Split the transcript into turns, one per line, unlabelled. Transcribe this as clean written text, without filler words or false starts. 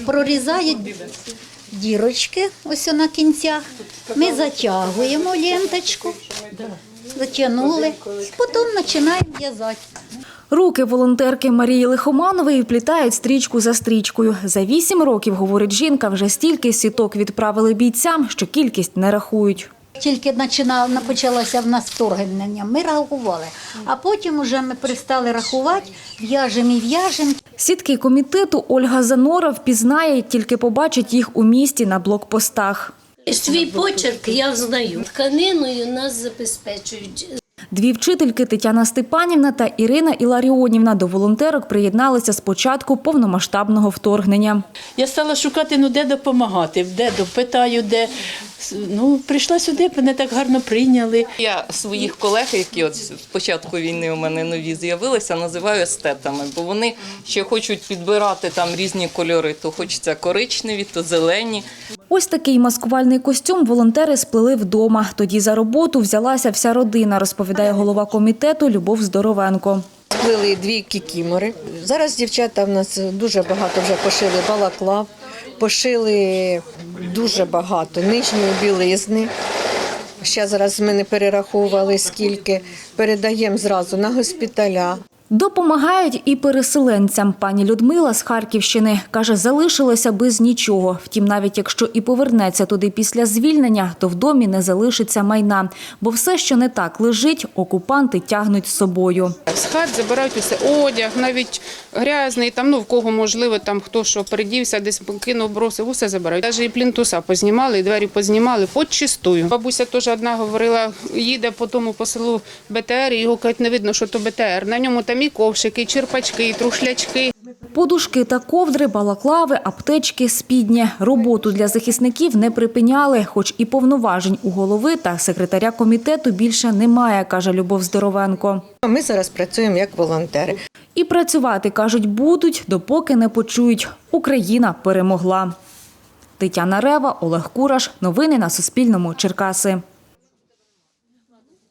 прорізають дірочки ось на кінцях. Ми затягуємо ленточку, затягнули, і потім починаємо в'язати.
Руки волонтерки Марії Лихоманової вплітають стрічку за стрічкою. За 8 років, говорить жінка, вже стільки сіток відправили бійцям, що кількість не рахують.
Тільки почалося в нас вторгнення, ми рахували, а потім вже ми перестали рахувати, в'яжемо і в'яжемо.
Сітки комітету Ольга Занора впізнає, як тільки побачить їх у місті на блокпостах.
Свій почерк я знаю. Тканиною нас забезпечують.
Дві вчительки Тетяна Степанівна та Ірина Іларіонівна до волонтерок приєдналися з початку повномасштабного вторгнення.
Я стала шукати, де допомагати, питаю, де. Прийшла сюди, мене так гарно прийняли.
Я своїх колег, які от з початку війни у мене нові з'явилися, називаю естетами, бо вони ще хочуть підбирати там різні кольори, то хочеться коричневі, то зелені.
Ось такий маскувальний костюм волонтери сплели вдома. Тоді за роботу взялася вся родина, розповідає голова комітету Любов Здоровенко.
Сплели 2 кікімори. Зараз дівчата в нас дуже багато вже пошили балаклав, пошили дуже багато нижньої білизни. Ще зараз ми не перераховували скільки. Передаємо зразу на госпіталя.
Допомагають і переселенцям. Пані Людмила з Харківщини каже, залишилася без нічого. Втім, навіть якщо і повернеться туди після звільнення, то в домі не залишиться майна. Бо все, що не так лежить, окупанти тягнуть з собою.
З хат забирають усе, одяг, навіть грязний, в кого можливо, хто що передівся, десь кинув, бросив, усе забирають. Навіть і плінтуса познімали, і двері познімали, подчистую. Бабуся теж одна говорила, їде по селу БТР, і його кажуть, не видно, що то БТР. На ньому там і ковшики, і черпачки, і трушлячки.
Подушки та ковдри, балаклави, аптечки, спідні. Роботу для захисників не припиняли, хоч і повноважень у голови та секретаря комітету більше немає, каже Любов Здоровенко.
Ми зараз працюємо як волонтери.
І працювати, кажуть, будуть, допоки не почують – Україна перемогла. Тетяна Рева, Олег Кураш. Новини на Суспільному. Черкаси.